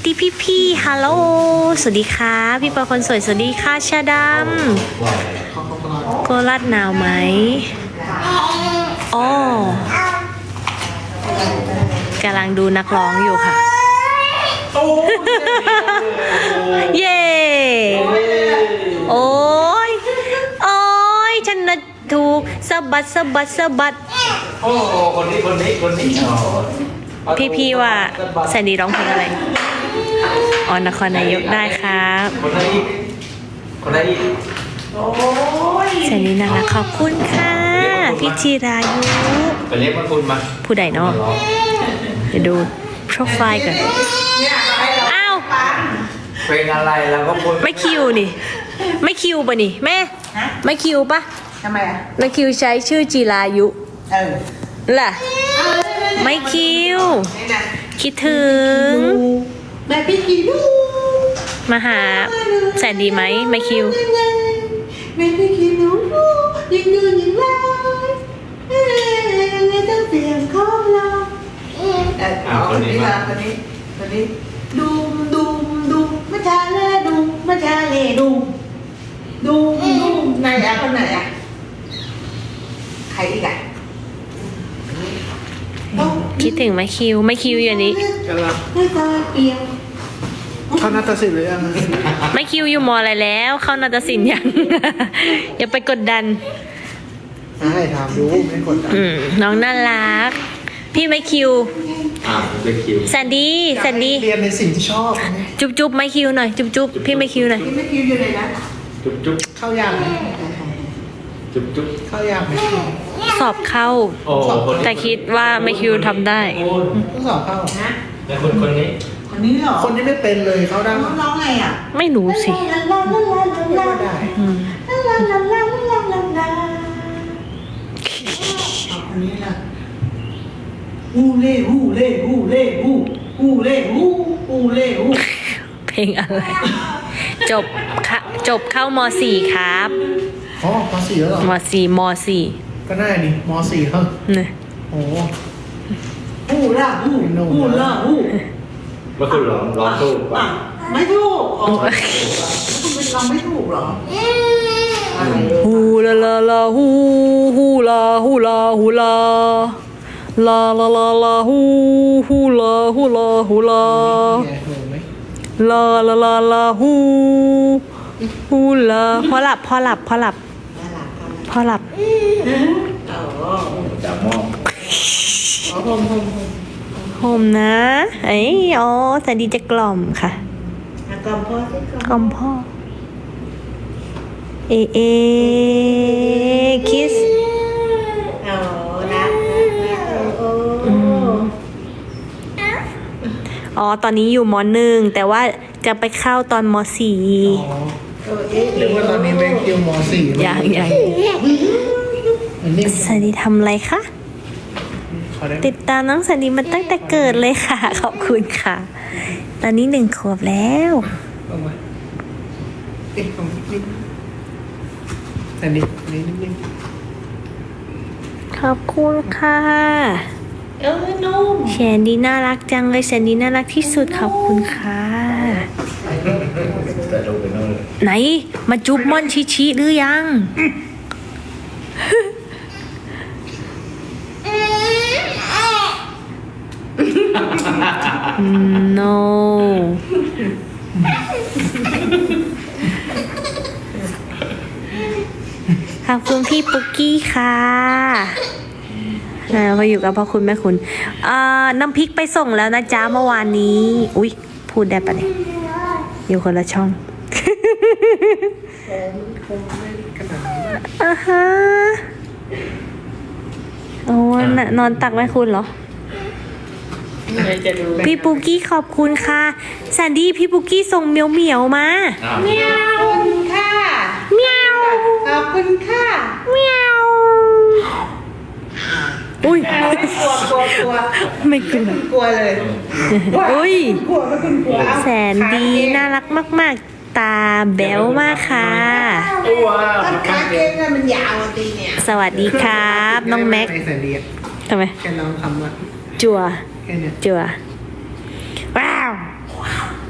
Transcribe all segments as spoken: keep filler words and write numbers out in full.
ดีพี่พี่ฮัลโหลสวัสดีค่ะพี่ปอคนสวยสวัสดีค่ะชาดำโคราชหนาวไหมอ๋อกำลังดูนักร้องอยู่ค่ะเย้โอ้ยโอ้ยฉันนะถูกสะบัดสะบัดสะบัดโอ้คนนี้คนนี้คนนี้พี่พี่ว่าแซนดี้ร้องเพลงอะไรอ๋อนครนายกได้ครับคนไหนอีกคนไหนอีกแซนดี้น่ารักขอบคุณค่ะพี่จิรายุไปเรียกมาคุณมาผู้ใดเนาะเดี๋ยวดูโปรไฟล์ก่อนอ้าวเพลงอะไรแล้วก็พูดไม่คิวนี่ไม่คิวป่ะนี่แม่ไม่คิวป่ะทำไมอ่ะไม่คิวใช้ชื่อจิรายุเออล่ะไม่คิวคิดถึงแม่พี่คิวมาหาแสนดีไหมไม่คิวแม่พี่คิวยิงยืนยิงไล่ยังไงต้องเสียงของเราเออคนนี้มาคนนี้คนนี้ดูดูดูมาชาเล่ดูมาชาเล่ดูดูดูไหนอ่ะคนไหนอ่ะใครอีกอ่ะคิดถึงไม่คิวไม่คิวอย่างนี้เข้านาฏศิลป์หรือยังไม่คิวอยู่มออะไรแล้วเข้านาฏศิลป์ยัง อย่าไปกดดันให้ถามรู้ไม่กดดันน้องน่ารักพี่ไม่คิวอ่าไม่คิวแซนดี้แซนดี้เรียนในสิ่งที่ชอบจุ๊บจุ๊บไม่คิวหน่อยจุ๊บจุ๊บพี่ไม่คิวหน่อยพี่ไม่คิวอยู่ไหนนะจุ๊บจุ๊บเข้ายากไหมจุ๊บจุ๊บเข้ายากไหมสอบเข้าแต่คิดว่าไม่คิวทำได้ต้องสอบเข้านะแล้วคนคนนี้คนนี้เหรอคนนี้ไม่เป็นเลยเขาได้ร้องไงอ่ะไม่รู้สิได้อันนี้ล่ะฮูเล่ฮูเล่ฮูเล่ฮูฮูเล่ฮูฮูเล่ฮูเพลงอะไรจบค่ะจบเข้ามสี่ครับอ๋อมสี่แล้วเหรอมสี่มสี่ก็น่าดิมสี่เขาเนี่ยโอ้ฮูล่ะฮูฮูล่ะฮูเมื่อคืนร้องร้องถูกป่ะไม่ถูกอ๋อคุณเป็นร้องไม่ถูกเหรอฮูลาลาลาฮูฮูลาฮูลาฮูลาลาลาลาลาฮูฮูลาฮูลาฮูลาลาลาลาลาฮูฮูลาพอหลับพอหลับพอหลับพอหลับจับมองโฮมโฮมโฮมนะไอ้อ๋อแต่ดีจะกล่อมค่ะกล่อมพ่อสิกล่อมพ่อเอเอคิสโอ้รักโอ้อ๋อตอนนี้อยู่มหนึ่งแต่ว่าจะไปเข้าตอนมสี่หรือว่าตอนนี้ไม่คิวมสี่อย่างอย่างสันดีทำอะไรคะติดตามน้องสันดีมาตั้งแต่เกิดเลยค่ะขอบคุณค่ะตอนนี้หนึ่งขวบแล้วสันดีนิดนึงขอบคุณค่ะเออนุ่มแซนดี้น่ารักจังเลยแซนดี้น่ารักที่สุดขอบคุณค่ะไหนมาจุ๊บม่อนชิชิหรือยังno ขอบคุณพี่ปุ๊กกี้ค่ะพออยู่กับพ่อคุณแม่คุณน้ำพริกไปส่งแล้วนะจ๊ะเมื่อวานนี้อุ๊ยพูดได้ปะเนี่ยอยู่คนละช่องอ่าฮะโอ้นอนตักแม่คุณเหรอพี่ปุ๊กกี้ขอบคุณค่ะแซนดี้พี่ปุ๊กกี้ส่งเมียวเหมียวมาเมียวค่ะเมียวขอบคุณค่ะเมียวอุ้ยกลัวกลัวกลัวไม่กลัวกลัวเลยอุ้ยกลัวไม่คุณกลัวแสนดีน่ารักมากๆตาแบ๊วมากค่ะขาเก่งมันยาวตีเนี่ยสวัสดีครับน้องแม็กทำไมแค่ลองคำว่าจั่วจั่วว้าว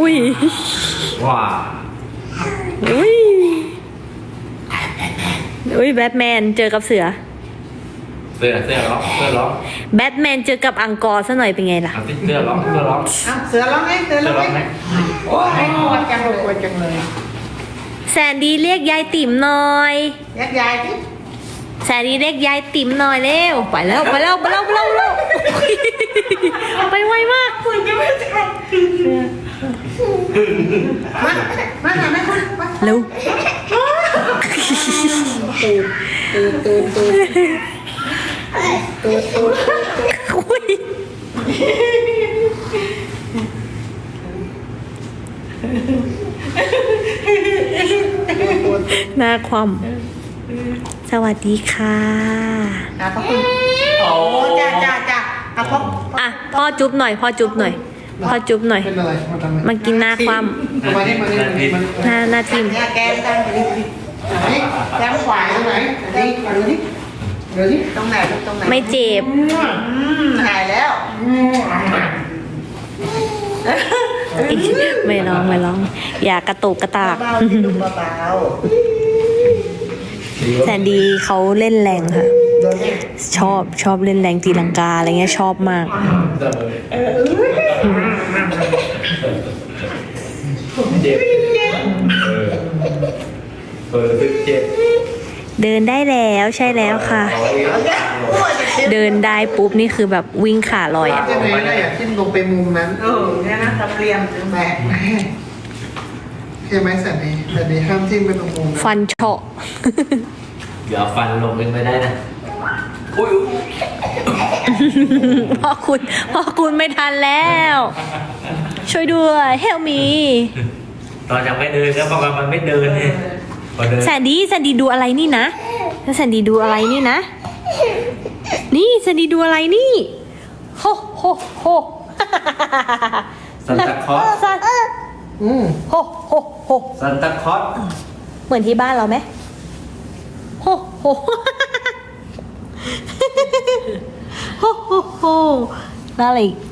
อุ้ยว้าอุ้ยอุ้ยแบทแมนเจอกับเสือเสื้อเสื้อร้องเสื้อร้องแบทแมนเจอกับอังกอร์ซะหน่อยเป็นไงล่ะเอาสิเสื้อร้องเสื้อร้องเอาเสือร้องไงเสือเสื้ร้อองร้องไงไหมโอ้ยกลัวจังเลยกลัวจังเลยแสนดีเรียกยายติ๋มหน่อยยักยายที่แสนดีเรียกยายติ๋มหน่อยเร็วไปแล้วไปแล้วไปแล้วไปแล้วไปแล้วไปไวมากคุณจะไม่ใช่มามาหาแม่คุณมาเร็วตูดตูดตูดตูดตูดอุ้ยหน้าความสวัสดีค่ะอ่ะขอบคุณโอ้จ้าจ้าจ้าอ่ะพ่ออ่ะพ่อจุ๊บหน่อยพ่อจุ๊บหน่อยพ่อจุ๊บหน่อยเป็นอะไรมาทำไมมันกินหน้าความมานี่มานี่มานี่มานี่หน้าหน้าทิมเนี่ยแกมตั้งไปดิไหนแก้มขวาตรงไหนไหนมาดูนี่เดี๋ยวนี้ตรงไหนลูกตรงไหนไม่เจ็บอืมหายแล้วไม่ร้องไม่ร้อง อย่ากระตุกกระตากเบาๆสิลูกเบาแสนดีเขาเล่นแรงค่ะโดนนี่ชอบชอบเล่นแรงตีลังกาอะไรเงี้ยชอบมากเจ็บเออเออเจ็บเดินได้แล้วใช่แล้วค่ะ เดินได้ปุ๊บนี่คือแบบวิ่งขาลอยอ่ะใช่ไหมได้อยากจิ้มลงไปมุมนั้นๆเออเนี่ยนะตะเกียมถึงแบกใช่ไหมแสนดีแสนดีห้ามจิ้มไปตรงมุมนั้นฟันเฉาะเดี๋ยวฟันลงเป็นไปได้นะอุ้ยพ่อคุณพ่อคุณไม่ทันแล้ว ช่วยด้วยเฮลมีตอนยังไม่เดินก็เพราะว่ามันไม่เดินเนี่ยพอเดินแสนดีแสนดีดูอะไรนี่นะแสนดีดูอะไรนี่นะ นี่แสนดีดูอะไรนี่โฮโฮโฮซันตาคลอสซันอืมโฮโฮโฮซันตาคลอสเหมือนที่บ้านเราไหมโฮโฮ โฮโฮโฮแล้วอะไรอีก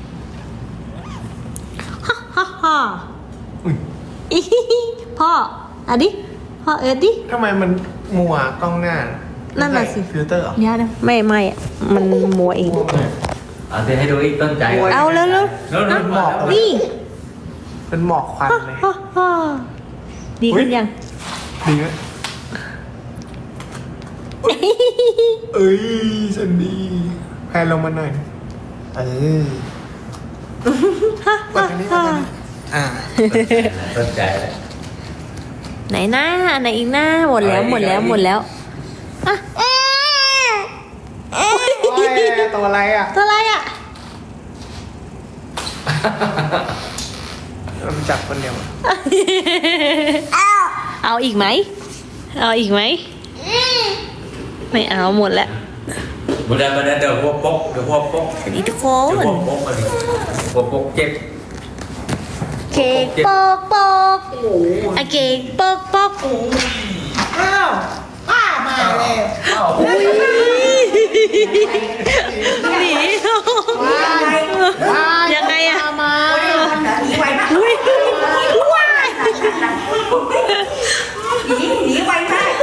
ฮ่าฮ่าฮ่าอีฮิฮิพ่ออ่ะดิพ่อเอิร์ดดิทำไมมันมัวกล้องหน้านั่นน่ะสิฟิลเตอร์เหรอเนี่ยนะไม่ไม่อะมันมัวเองเอาเดี๋ยวให้ดูอีกต้นใจเอาแล้วแล้วแล้วแล้วหมอกนี่เป็นหมอกควันเลยฮ่าฮ่าดีขึ้นยังดีไหมเอ้ยสันดีแพนลงมาหน่อยเออฮ่าวัฮ่านนี้ฮ่าวันนี้อ่าต้นใจเลยไหนหน้าไหนอีกหน้าหมดแล้วหมดแล้วหมดแล้วอ่ะโอ้ยตัวอะไรอ่ะตัวอะไรอ่ะมันจับคนเดียวอะเอาอีกไหมเอาอีกไหมไม่เอาหมดแล้วบุญดาบันดาเดี๋ยวพวกป๊กเดี๋ยวพวกป๊กสวัสดีทุกคเดี๋ยวน พวกป๊กมาดิพวกป๊กเจ็บเค้กปอกปอกอ่ะเค้กปอกปอกอ้าวป้ามาแล้วอุ้ยหนียังไงอะมาหนีไวมากอุ้ยหนีหนีไวมาก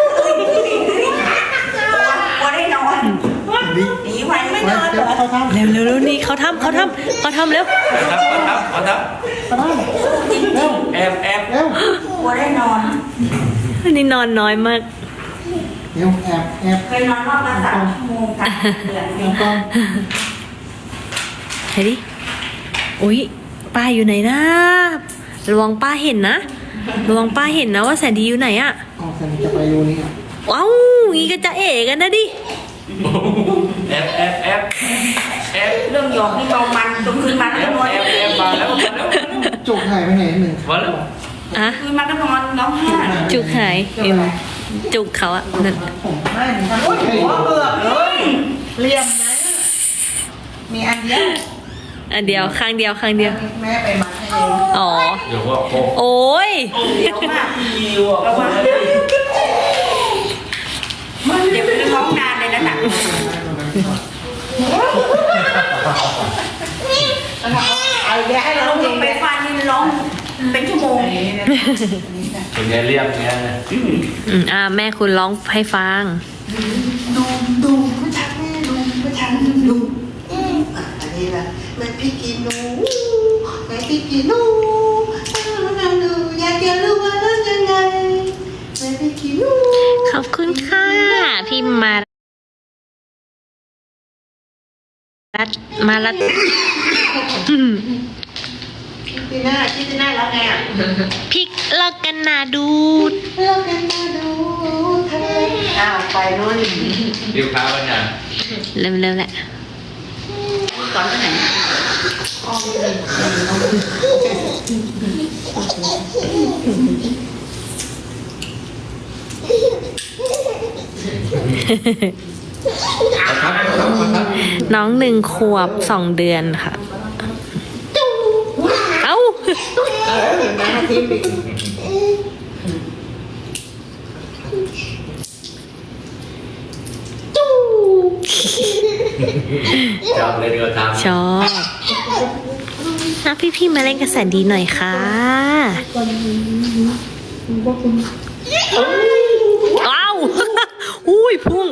กลัวได้นอนดิหนีไวไม่นอนเหรอเขาทำเร็วเร็วเร็วนี่เขาทำเขาทำเขาทำเร็วเอาทับเอาทับเอาทับเร็วแอบแอบเร็วกลัวได้นอนนี่นอนน้อยมากเร็วแอบแอบเคยนอนรอบละสามชั่วโมงค่ะเดือนแอบกล้องไหนดิอุ้ยป้าอยู่ไหนนะระวังป้าเห็นนะระวังป้าเห็นนะว่าแสนดีอยู่ไหนอะเอาแสนดีจะไปรูนี้อ่ะว้าวงี้ก็จะเอ๋กันนะดิแอบแอบแอบแอบเรื่องหยอกนี่เมามันจนคืนมาแอก็บนอนแอบแอบมาแล้วมาแล้วจุกหายไปไหนหนึ่งมาแล้วอะคืนมาก็นอนร้องไห้จุกหายเอ็มจุกเขาอะนั่นไม่ทำโอ้ยหัวเอือบเลยเรียมนะมีอันเดียวอันเดียวข้างเดียวข้างเดียวแม่ไปมัดให้เองอ๋อเดี๋ยวพวกป๊กโอ้ยเดี๋ยวมากระวังมันเดี๋ยวไปร้องนานเลยนะน่ะเอาแกให้ร้องเพลงไปฟันนี่ร้องเป็นชั่วโมงเป็นไงเรียบเงี้ยอืมอ่าแม่คุณร้องให้ฟังดูดูไม่ทันแม่ดูไม่ทันดูอ่ะอันนี้ละแม่พี่กินหนูแม่พี่กินหนูหนูอยากจะรู้ว่าเรื่องยังไงแม่พี่กินหนูขอบคุณค่ะ พี่มารัดมารัดอืมคิดดีหน้าคิดดีหน้าแล้วไงอ่ะพริกเลิกกันนาดูดเลิกกันมาดูทะเลอ้าวไปนู่นริ้วเท้ากันยังเร็วๆแหละก่อนไปไหนอ๋อประทับประทับประทับน้องหนึ่งขวบสองเดือนค่ะ เอ้าเออแม่ทิมอีกชอบเลยเรือทำชอบนะพี่พี่ๆมาเล่นกระแสดีหน่อยค่ะอ้าว อุ้ยพุ่ง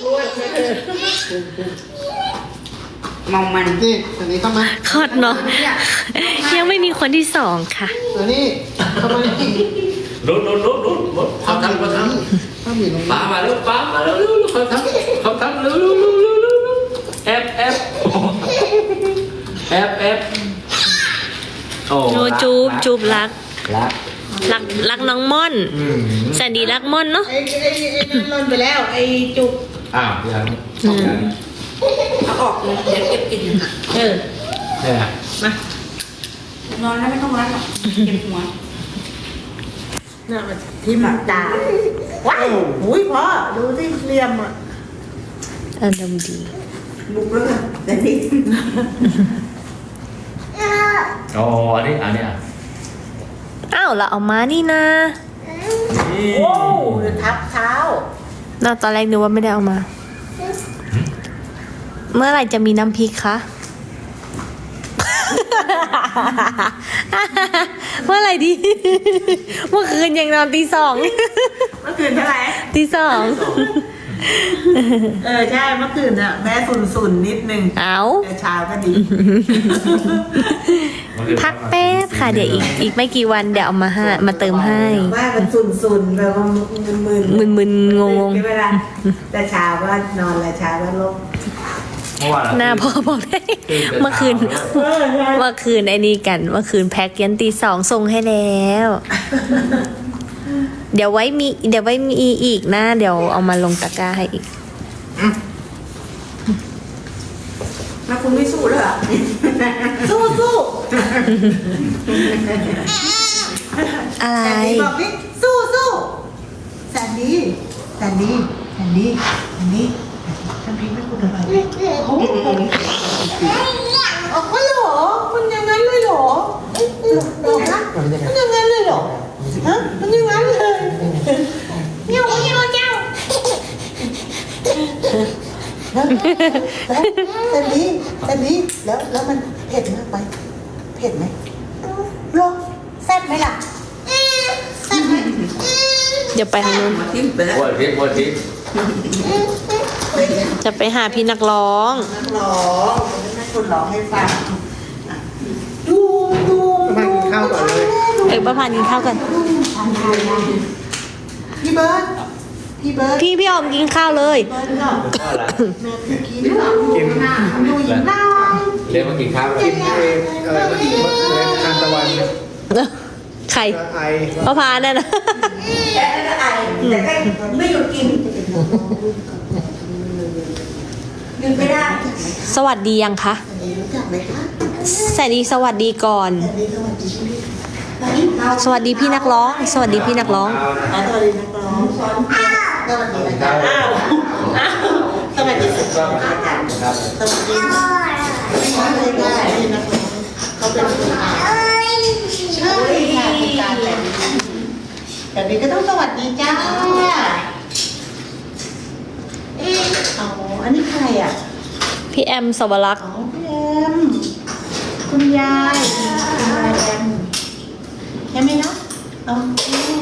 มองมันนี่อันนี้เข้ามาคอดเนาะยังไม่มีคนที่สองค่ะอันนี้เข้ามานี่รุดรุดรุดรุดรุดเขาทำเขาทถ้ามีตรงำนี้ป้ามาแล้วป้ามาแล้วเร็วเขาทำเขาทำเร็วเร็วเร็วเร็วเร็วแอบแอบแอบแอบโอ้โนจูบจูบรักรักรักรักน้องม่อนอืมแสนดีรักม่อนเนาะไอ้ไอ้ไอ้นั่นล่นไปแล้วไอ้จุกอ้าวยังอืมเอาออกเลยเดี๋ยวเก็บกินค่ะเออเนี่ยมานอนแล้วไม่ต้องรัดหรอกเก็บหัวน่ะมันที่หมักดาว้าวอุ้ยพ่อดูที่เหลี่ยมอ่ะอารมณ์ดีบุกแล้วค่ะแต่นี่อ๋ออันนี้อันนี้อ่ะอ้าวเราเอามานี่นะนี่โอ้เดี๋ยวทับเท้าน่าตอนแรกนึกว่าไม่ได้เอามา เมื่อไหร่จะมีน้ำพริกคะ เมื่อไหร่ดี เมื่อคืนยังนอนตีสองเมื่อคืนเท่าไหร่ตีสองเออใช่เมื่อคืนน่ะแม่สุนสุนๆนิดนึงเอาแต่เช้าก็ดีพักแป๊บค่ะ เดี๋ยวอีกอีกไม่กี่วันเดี๋ยวเอามาให้มาเติมให้ว่ามันสุนสุนๆแบบว่ามึนมึนมึนๆงงใช่ไหมล่ะแต่เช้าก็นอนแล้วเช้าก็ลงเมื่อวานๆหน้าพ่อบอกได้ เมื่อคืน เมื่อคืนไอ้นี่กัน เมื่อคืนแพ็กยันตีสองส่งให้แล้ว เดี๋ยวไว้มี เดี๋ยวไว้มีอีกนะ เดี๋ยวเอามาลงตะกร้าให้อีกแล้วคุณไม่สู้เลยเหรอ สู้สู้อะไรแสนดีบอกดิสู้สู้แสนดีแสนดีแสนดีแสนดีทำเพลงไม่คุณอะไรโอ้โหอ๋อเหรอมันอย่างนั้นเลยเหรอเหรอฮะมันอย่างนั้นเลยเหรอฮะมันอย่างนั้นเลยเงี้ยวเงี้ยวเงี้ยวแล้วแต่นี้แต่นี้แล้วแล้วมันเผ็ดมากไหมเผ็ดไหมหรอแซ่บไหมล่ะแซ่บไหมเดี๋ยวไปทางนู้นปวดทิพย์ปวดทิพย์จะไปหาพี่นักร้องนักร้องแม่คนร้องให้ฟังดูดูมากินข้าวก่อนเลยเออป้าพานกินข้าวกันพี่เบิร์ดพี่เบิร์ดพี่พี่ออมกินข้าวเลยเบิร์ดก็ก็อะไรแม่พี่กินกินดูหญิงน้อยเรียกมากินข้าวเลยกินเองอะไรเมื่อกี้เมื่อคืนทานตะวันเนี่ยใครไอป้าพานนั่นนะแต่ก็ไอแต่ก็ไม่หยุดกินหยุดไม่ได้สวัสดียังคะรู้จักไหมคะแสนดีสวัสดีก่อนอันนี้สวัสดีพี่สวัสดีพี่นักร้อง สวัสดีพี่นักร้องสวัสดีนักร้องสวัสดีนะจ๊ะอ้าวอ้าวสวัสดีครับสวัสดีไม่ได้เลยได้นักร้องเขาเป็นคนอ่านใช่ค่ะเป็นการแต่งแต่นี้ก็ต้องสวัสดีจ้าอ๋ออันนี้ใครอ่ะพี่แอมสวรักษ์อ๋อพี่แอมคุณยายคุณยายแอมใช่ไหมคะเอา